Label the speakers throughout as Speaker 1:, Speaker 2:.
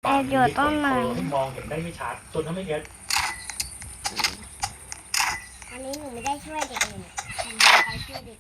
Speaker 1: แอบอยู่ต้นไม้
Speaker 2: ให้มองเห็นได้ไม่ชัดจนถ้าไม่งั้น
Speaker 3: อันนี้หนูไม่ได้ช่วยเด็กเลยหนูไม่ได้ช่วยเด็ก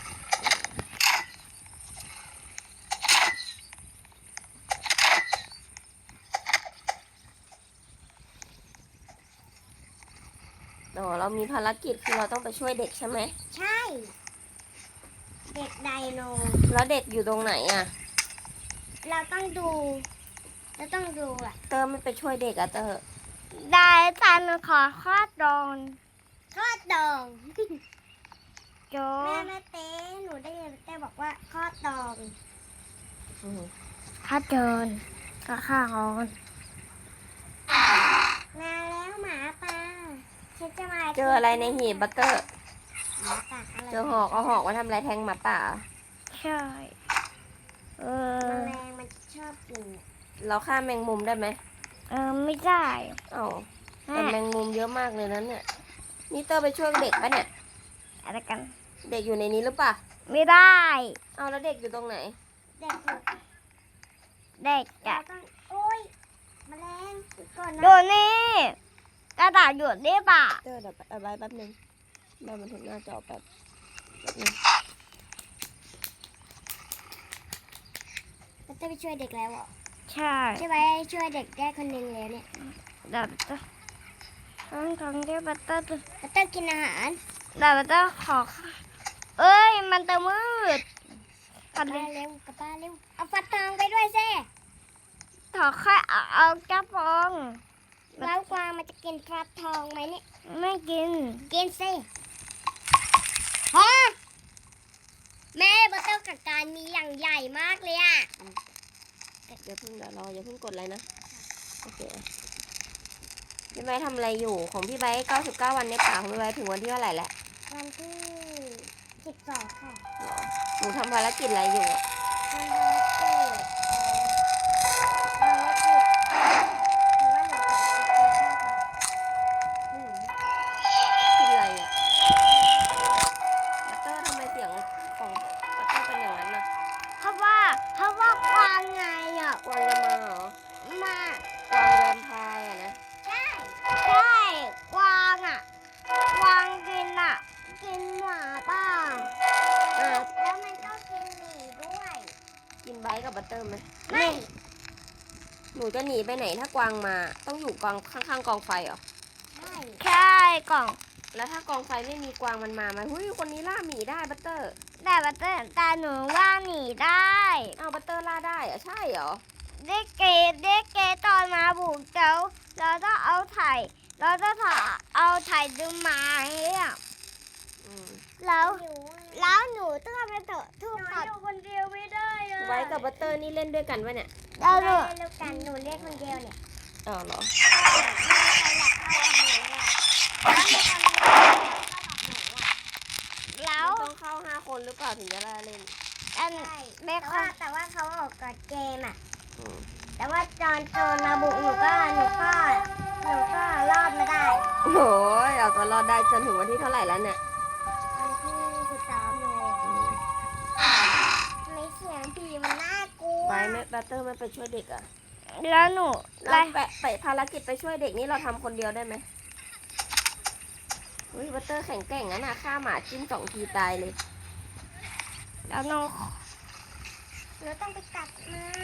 Speaker 4: อ๋อเรามีภารกิจคือเราต้องไปช่วยเด็กใช่ไหม
Speaker 3: ใช่ เด็กไดโน
Speaker 4: แล้วเด็กอยู่ตรงไหนอ่ะ
Speaker 3: เราต้องดูอ่ะ
Speaker 4: เตอร์ไม่ไปช่วยเด็กอะเตอร์
Speaker 1: ได้ตันขอคอดโดน
Speaker 3: ทอดดอง
Speaker 1: โจ
Speaker 3: แม่เต้หนูได้ยินแม่บอกว่าทอดดอง
Speaker 4: อืม
Speaker 1: ถ้าเดินก็ข้างอน
Speaker 3: มาแล้วหมาป่าฉันจะมา
Speaker 4: เจออะไรในหีบบัตเตอร์
Speaker 3: หมาป่าอะไร
Speaker 4: เจอหอกเอาหอกมาทำอะไรแทงหมาป่า
Speaker 1: ใช่เออ
Speaker 3: แมลงมันชอบกินอะ
Speaker 4: เราฆ่าแมงมุมได้ไหม
Speaker 1: ไม่ได้
Speaker 4: เอ้า
Speaker 1: แม่
Speaker 4: แต่แมงมุมเยอะมากเลยนั้นเนี่ยนี่เตอร์ไปช่วยเด็กปะเนี่ย
Speaker 1: อะไรกัน
Speaker 4: เด็กอยู่ในนี้หรือเปล่า
Speaker 1: ไม่ได้
Speaker 4: เอาแล้วเด็กอยู่ตรงไหน
Speaker 3: เด็กอยู่
Speaker 1: เด็ก
Speaker 3: เรา
Speaker 1: อะ
Speaker 3: ต้องโอ้ยแมลงก่อนนะ
Speaker 1: ดูนี่กระดาษหยุดได้ป่ะ
Speaker 4: เตอร์เดี๋ยวเอาไว้แป๊บนึงแม่มันถึงหน้าจอแป๊บนึง
Speaker 3: เราจะไปช่วยเด็กแล้วเหรอ
Speaker 1: ใช่
Speaker 3: ใช่ไหมช่วยเด็กได้คนหนึ่งแล้วเนี่ย
Speaker 1: เดี๋ยวจะทั้งที่บัตเตอร์
Speaker 3: เราต้องกินอาหาร
Speaker 1: เดี๋ยวบัตเตอร์ขอเอ้ยมันจะมืด
Speaker 3: กลับบ้านเร็วกลับบ้านเร็วเอาฟักทองไปด้วยสิ
Speaker 1: ขอแค่เอากระป๋อง
Speaker 3: แล้วกวางมันจะกินฟักทองไหมเนี่ย
Speaker 1: ไม่กิน
Speaker 3: กินสิฮะแม่บัตเตอร์กับการมีอย่างใหญ่มากเลยอ่ะ
Speaker 4: อย่าเพิ่งเดี๋ยวรออย่าเพิ่งกดอะไรนะโอเคพี่ไบร์ททำอะไรอยู่ของพี่ไบร์ท99 วันในป่าของพี่ไบร์ทถึงวันที่เท่าไหร่แล้ว
Speaker 3: วันที่12ค่ะ
Speaker 4: หรอหนูทำภารกิจอะไรอยู่อะ
Speaker 3: วันที่
Speaker 4: คิดอะไรอ่ะบัตเตอร์ทำไมเสียงของบัตเตอร์เป็นอย่างนั้นน่ะ
Speaker 1: เพราะว่ากวางไงอ่ะ
Speaker 4: กวางจะมาเหรอ
Speaker 1: มาก
Speaker 4: วางแวมไพร์อะนะ
Speaker 3: ใช่
Speaker 1: ใช่กวางอ่ะกวางกินอ่ะ กินหมาป่า
Speaker 4: อ่ะ
Speaker 3: แล้วมันก็กินหมีด้วย
Speaker 4: กินไบร์ทกับบัตเตอร์ไหม
Speaker 3: ไม่
Speaker 4: หนูจะหนีไปไหนถ้ากวางมาต้องอยู่กองข้างๆกองไฟเหรอ
Speaker 3: ใช่
Speaker 1: ใช่กล่อง
Speaker 4: แล้วถ้ากองไฟไม่มีกวางมันมาไหมหุ้ยคนนี้ล่าหมีได้บัตเตอร์
Speaker 1: แต่บัตเตอร์แต่หนูว่าหนีได้
Speaker 4: เอาบัตเตอร์ล่าได้เหรอะใช่เหรอ
Speaker 1: เด็กเกตอนมาบุกเจ้าเราต้องเอาไถ่เราต้องเอาไถ่ดูหมาเนี่ย
Speaker 4: อืม
Speaker 1: แล้ว
Speaker 3: หิว
Speaker 1: แล้วหนูต้องไปเถอะทุก
Speaker 3: หนู
Speaker 1: ขัด
Speaker 3: อยู่คนเดียวไม่ได้อะ
Speaker 4: ไว้กับบัตเตอร์นี่เล่นด้วยกันปะเนี่ย
Speaker 1: แล้วหนู
Speaker 3: เร็วกันหนูเรียกคนเดียวเนี่ย
Speaker 4: อ๋อเหรอ
Speaker 1: แล้ว
Speaker 4: มันต้องเข้า5 คนหรือเปล่าถึงจะได้เล่น
Speaker 1: อัน
Speaker 3: ใช่
Speaker 1: แม่
Speaker 3: แต่ว่าเขาออกกฎเกมอ่ะ
Speaker 4: อืม
Speaker 3: แต่ว่าจอนโจรมาบุกหนูก็รอดมาได้
Speaker 4: โอ้ยเอาตัวรอดได้จนถึงวันที่เท่าไหร่แล้วเนี่ย
Speaker 3: วันที่13เลย
Speaker 4: อืม
Speaker 3: ทำไมเสียงผีมันน่ากลัว
Speaker 4: ไว้ไม่บัตเตอร์ไม่ไปช่วยเด็กอะ
Speaker 1: แล้วหนู
Speaker 4: เราไปภารกิจไปช่วยเด็กนี่เราทำคนเดียวได้ไหมอุ้ยบัตเตอร์แข็งแกร่งนะน่ะฆ่าหมาจิ้ม2 ทีตายเลย
Speaker 1: แล้วหนู
Speaker 3: หนูต้องไปตัดไม้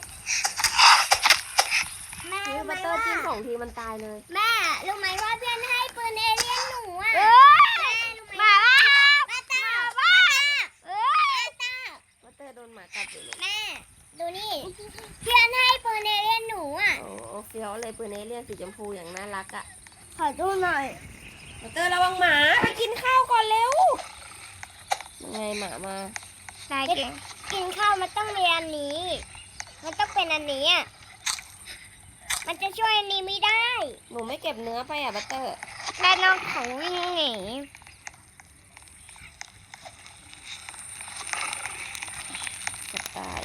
Speaker 3: แม่
Speaker 4: อุ้ย
Speaker 3: รู้ไหม
Speaker 4: บัตเตอร์
Speaker 3: ว่า
Speaker 4: จิ้ม2 ทีมันตายเลย
Speaker 3: แม่รู้ไหมว่าเพื่อนให้ปืนเอเลี่ยนหนูอ่ะ
Speaker 1: เอ้ย
Speaker 3: แม่รู้ไหม
Speaker 1: มาบ้า
Speaker 3: มาตา
Speaker 1: เอ้ย
Speaker 3: มาตา
Speaker 4: บัตเตอร์โดนหมากัดอยู่เลย
Speaker 3: แม่ดูนี่เพื่อนให้ปืนเอเลี่ยนหนูอ่ะ
Speaker 4: โอ้เฟี้ยวเลยปืนเอเลี่ยนสีชมพูอย่างน่ารักอะ
Speaker 1: ขอดูหน่อย
Speaker 4: บัตเตอร์ระวังหมาไปกินข้าวก่อนเร็วยังไงหมามา
Speaker 1: นายเก่ง
Speaker 3: กินข้าวมันต้องมีอันนี้ มันต้องเป็นอันนี้อ่ะมันจะช่วยอันนี้ไม่ได้
Speaker 4: หนูไม่เก็บเนื้อไปอะบัตเตอร์
Speaker 1: แต่น้องของวิ่งหนี
Speaker 4: จะตาย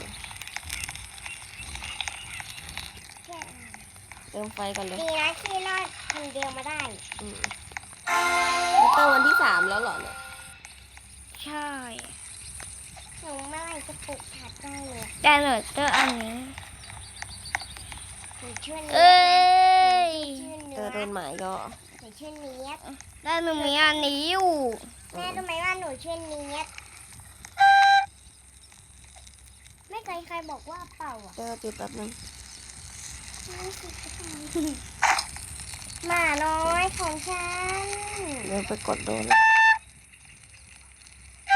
Speaker 4: เติมไฟก่อนเลย
Speaker 3: ดีนะที่รอดคนเดียวมาได้
Speaker 4: อืมบัตเตอร์วันที่ 3แล้วเหรอเนี่ย
Speaker 1: ใช่
Speaker 3: หนูเมื่อไหร่จะปลุกผัดได้เลย
Speaker 1: แต่หนูเจออันนี้
Speaker 3: หนูชื่อเนี
Speaker 1: เอ้
Speaker 3: ย
Speaker 1: ย
Speaker 3: ชื่อ
Speaker 4: เจ
Speaker 3: เนื้
Speaker 4: อ
Speaker 3: อ
Speaker 4: โดนหมายก็
Speaker 3: หนูชื่อเนียด
Speaker 1: แล้วหนูมีอันนี้อยู่
Speaker 3: แม่รู้ไหมว่าหนูชื่อเนียดไม่เคยใครบอกว่าเป่าอ่ะ
Speaker 4: เจอจุดแป๊บนึง
Speaker 3: หมาน้อยของฉัน
Speaker 4: เดี๋ยวไปกดโดน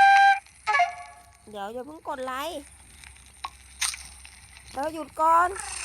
Speaker 4: เดี๋ยวอย่าเพิ่งกดไลค์เราหยุดก่อน